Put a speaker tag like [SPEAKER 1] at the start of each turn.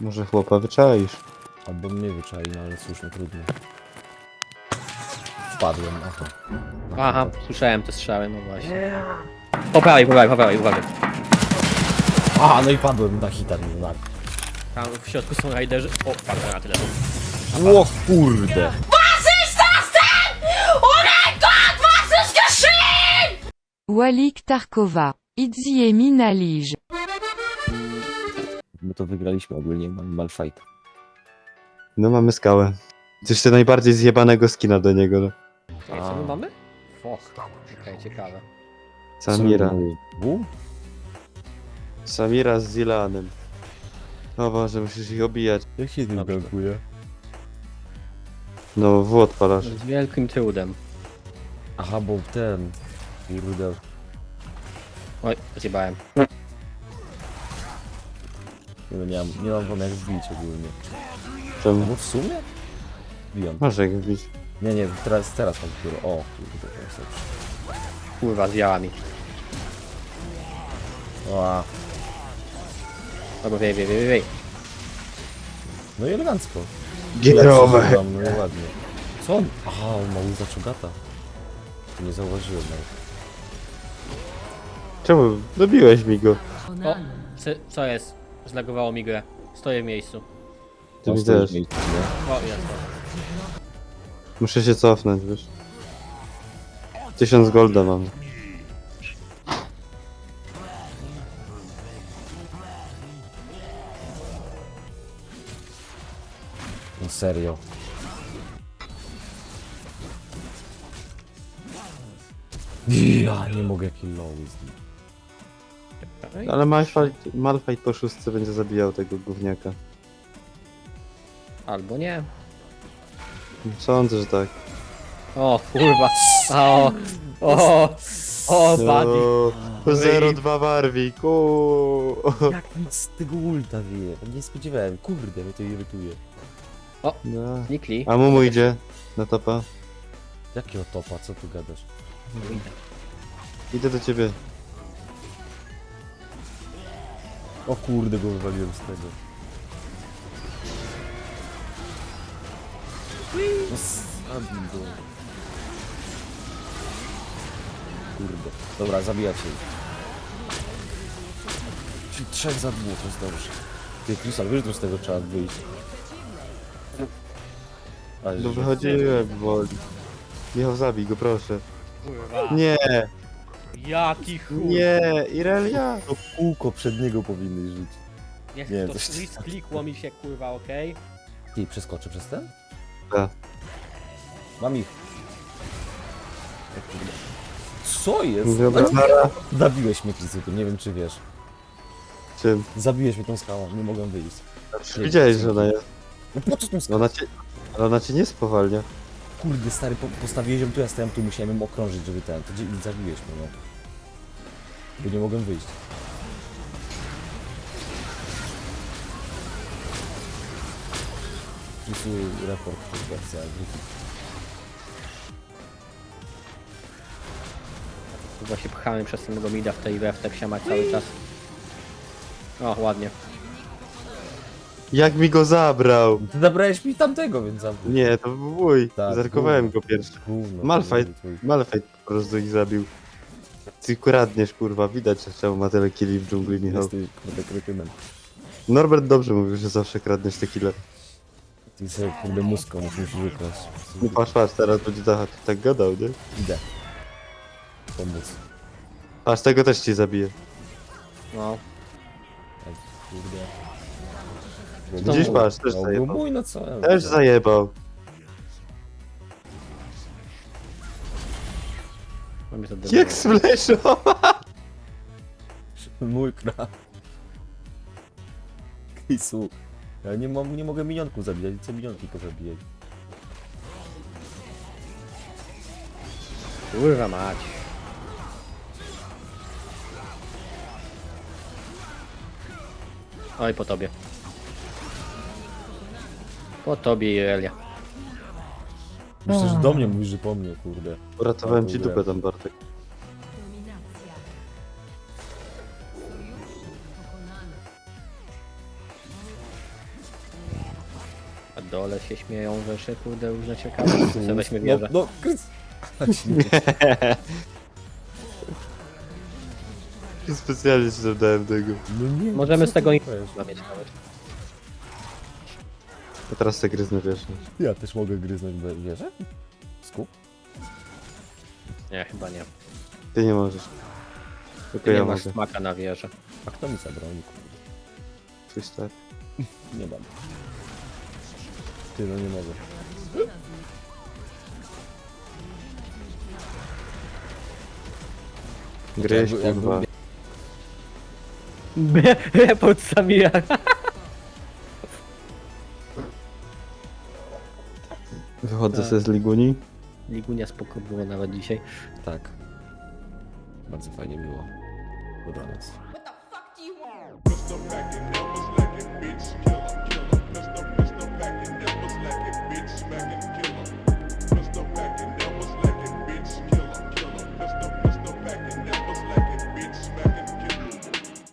[SPEAKER 1] Może chłopa wyczaisz.
[SPEAKER 2] Albo mnie wyczai, no ale cóż, no trudno. Wpadłem, aha.
[SPEAKER 3] Aha, słyszałem te strzały, no właśnie. Po prawej, uważaj.
[SPEAKER 2] A, no i padłem na hita, no na...
[SPEAKER 3] Tam w środku są rajderzy. O, padłem na tyle.
[SPEAKER 2] O kurde!
[SPEAKER 4] Walik Tarkova. Itzy Mina Lige.
[SPEAKER 2] My to wygraliśmy ogólnie, mamy malfight.
[SPEAKER 1] No mamy skałę. Coś to najbardziej zjebanego skina do niego. No.
[SPEAKER 3] Ej, co my mamy? Foch. Okej, ciekawe.
[SPEAKER 1] Samira.
[SPEAKER 2] Bu?
[SPEAKER 1] Samira z Zilanem. O Boże, musisz ich obijać.
[SPEAKER 2] Jak się tym
[SPEAKER 3] Dobrze.
[SPEAKER 2] gankuje?
[SPEAKER 1] No, w odpalasz.
[SPEAKER 3] Z wielkim trudem.
[SPEAKER 2] Aha, bo ten... Kurde.
[SPEAKER 3] Oj, zjebałem.
[SPEAKER 2] Nie mam wam jak wbić ogólnie.
[SPEAKER 1] Czemu?
[SPEAKER 2] No w sumie? Wbijam.
[SPEAKER 1] Masz jak wbić.
[SPEAKER 2] Nie, teraz mam dopiero. O, kurde, to jest lepsze.
[SPEAKER 3] Kurwa, zjała mi.
[SPEAKER 2] O,
[SPEAKER 3] Albo wiej.
[SPEAKER 2] no i elegancko.
[SPEAKER 1] Gierowe.
[SPEAKER 2] No i ładnie. Co on? Aha, on ma łza czugata. Nie zauważyłem nawet.
[SPEAKER 1] Czemu? Dobiłeś mi go.
[SPEAKER 3] O, co jest? Zlagowało mi grę. Stoję w miejscu.
[SPEAKER 1] Ty
[SPEAKER 2] On
[SPEAKER 1] mi
[SPEAKER 2] stoi w
[SPEAKER 1] też.
[SPEAKER 2] miejscu, nie?
[SPEAKER 3] O, jest to.
[SPEAKER 1] Muszę się cofnąć, wiesz. 1000 golda mam.
[SPEAKER 2] No serio. Ja nie mogę killowy z nim.
[SPEAKER 1] Ale Malfight po szóstce będzie zabijał tego gówniaka.
[SPEAKER 3] Albo nie.
[SPEAKER 1] Sądzę, że tak.
[SPEAKER 3] O, kurwa. O, buddy.
[SPEAKER 1] No, 0-2 Warwick.
[SPEAKER 2] Jak nic z tego ulta wie? Nie spodziewałem. Kurde, mnie to irytuje.
[SPEAKER 1] No.
[SPEAKER 3] Nikli.
[SPEAKER 1] A Mumu idzie na topa.
[SPEAKER 2] Jakiego topa? Co tu gadasz?
[SPEAKER 1] Idę do ciebie.
[SPEAKER 2] O kurde, go wywaliłem z tego. No zabij go. Kurde. Dobra, zabijacie ich. Czyli 3 za 2, to jest dobrze. Ty, Krystal, wiesz, że z tego trzeba wyjść. Ale
[SPEAKER 1] No
[SPEAKER 2] że-
[SPEAKER 1] wychodziłem, woli. Michał, zabij go, proszę.
[SPEAKER 3] Kurwa.
[SPEAKER 1] Nie,
[SPEAKER 3] Jaki chuj.
[SPEAKER 1] nie, Irelia.
[SPEAKER 2] To kółko przed niego powinny żyć.
[SPEAKER 3] Niech
[SPEAKER 2] Nie,
[SPEAKER 3] to
[SPEAKER 2] coś-
[SPEAKER 3] klikło mi się, kurwa, okej?
[SPEAKER 2] Ty, przeskoczę przez ten?
[SPEAKER 1] Tak.
[SPEAKER 2] Mam ich. O kurde. Co jest?
[SPEAKER 1] Dobra,
[SPEAKER 2] No,
[SPEAKER 1] nara.
[SPEAKER 2] zabiłeś mnie, Krysyku, nie wiem czy wiesz.
[SPEAKER 1] Czym?
[SPEAKER 2] Zabiłeś mnie tą skałą, nie mogłem wyjść. Nie,
[SPEAKER 1] Widziałeś, że ona jest.
[SPEAKER 2] No po co tą skałą?
[SPEAKER 1] Ona cię nie spowalnia.
[SPEAKER 2] Kurde, stary, postawiłeś ją tu, ja stałem tu, musiałem ją okrążyć, żeby ten... To zabiłeś mnie, no. Bo nie mogłem wyjść. Wpisuję raport, to jest wersja Griffin.
[SPEAKER 3] Chyba się pchamy przez samego mida w tej WF, tak się ma cały czas. O, ładnie.
[SPEAKER 1] Jak mi go zabrał?
[SPEAKER 2] Ty zabrałeś mi tamtego, więc zabił.
[SPEAKER 1] Nie, to był mój.
[SPEAKER 2] Tak,
[SPEAKER 1] Zerkowałem go pierwszy.
[SPEAKER 2] Gówno,
[SPEAKER 1] Malfight.
[SPEAKER 2] to był twój.
[SPEAKER 1] Malfight po prostu ich zabił. Ty kradniesz, kurwa, widać, że czemu ma tyle killi w dżungli, Michał.
[SPEAKER 2] Jesteś, kurde, kretynem.
[SPEAKER 1] Norbert dobrze mówił, że zawsze kradniesz te kile.
[SPEAKER 2] Ty sobie, kurde, muską musisz wykraść.
[SPEAKER 1] No patrz, teraz będzie tak gadał, nie?
[SPEAKER 2] Idę. Pomóc.
[SPEAKER 1] Aż tego też ci zabije.
[SPEAKER 3] No.
[SPEAKER 2] Tak, kurde.
[SPEAKER 1] Widzisz, patrz, też
[SPEAKER 2] No, był
[SPEAKER 1] zajebał.
[SPEAKER 2] mój, no co?
[SPEAKER 1] Też zajebał.
[SPEAKER 3] Mamy to
[SPEAKER 1] Jak sfleszał!
[SPEAKER 2] Mój kra. Kisu. Ja nie mogę minionków zabijać, chcę minionki pozabijać.
[SPEAKER 3] Kurwa mać. Oj, po tobie. Po tobie, Irelia.
[SPEAKER 2] Myślę, że do mnie mówisz, że po mnie, kurde.
[SPEAKER 1] Uratowałem ci
[SPEAKER 2] Dobra.
[SPEAKER 1] dupę tam, Bartek.
[SPEAKER 3] A dole się śmieją rzeczy, kurde, różne ciekawe. Co weźmy wieżę.
[SPEAKER 2] No,
[SPEAKER 1] Specjalnie ci dodałem tego.
[SPEAKER 2] no nie.
[SPEAKER 3] Możemy z tego
[SPEAKER 2] nie
[SPEAKER 3] mieć nawet.
[SPEAKER 1] A teraz te gryzny wiesz.
[SPEAKER 2] Ja też mogę gryznąć wieżę? Skup?
[SPEAKER 3] Nie, chyba nie.
[SPEAKER 1] Ty nie możesz. Tylko
[SPEAKER 3] Ty nie
[SPEAKER 1] ja
[SPEAKER 3] masz
[SPEAKER 1] mogę.
[SPEAKER 3] smaka na wieżę.
[SPEAKER 2] A kto mi zabroni, kurde?
[SPEAKER 1] Twój stary.
[SPEAKER 2] Nie mam. Ty, no nie mogę.
[SPEAKER 1] Gryź,
[SPEAKER 2] Jakby-
[SPEAKER 1] kurwa.
[SPEAKER 3] Pod Samira.
[SPEAKER 1] Wychodzę se z Liguni.
[SPEAKER 3] Ligunia spoko było nawet dzisiaj.
[SPEAKER 2] Tak. Bardzo fajnie było. Dobranoc.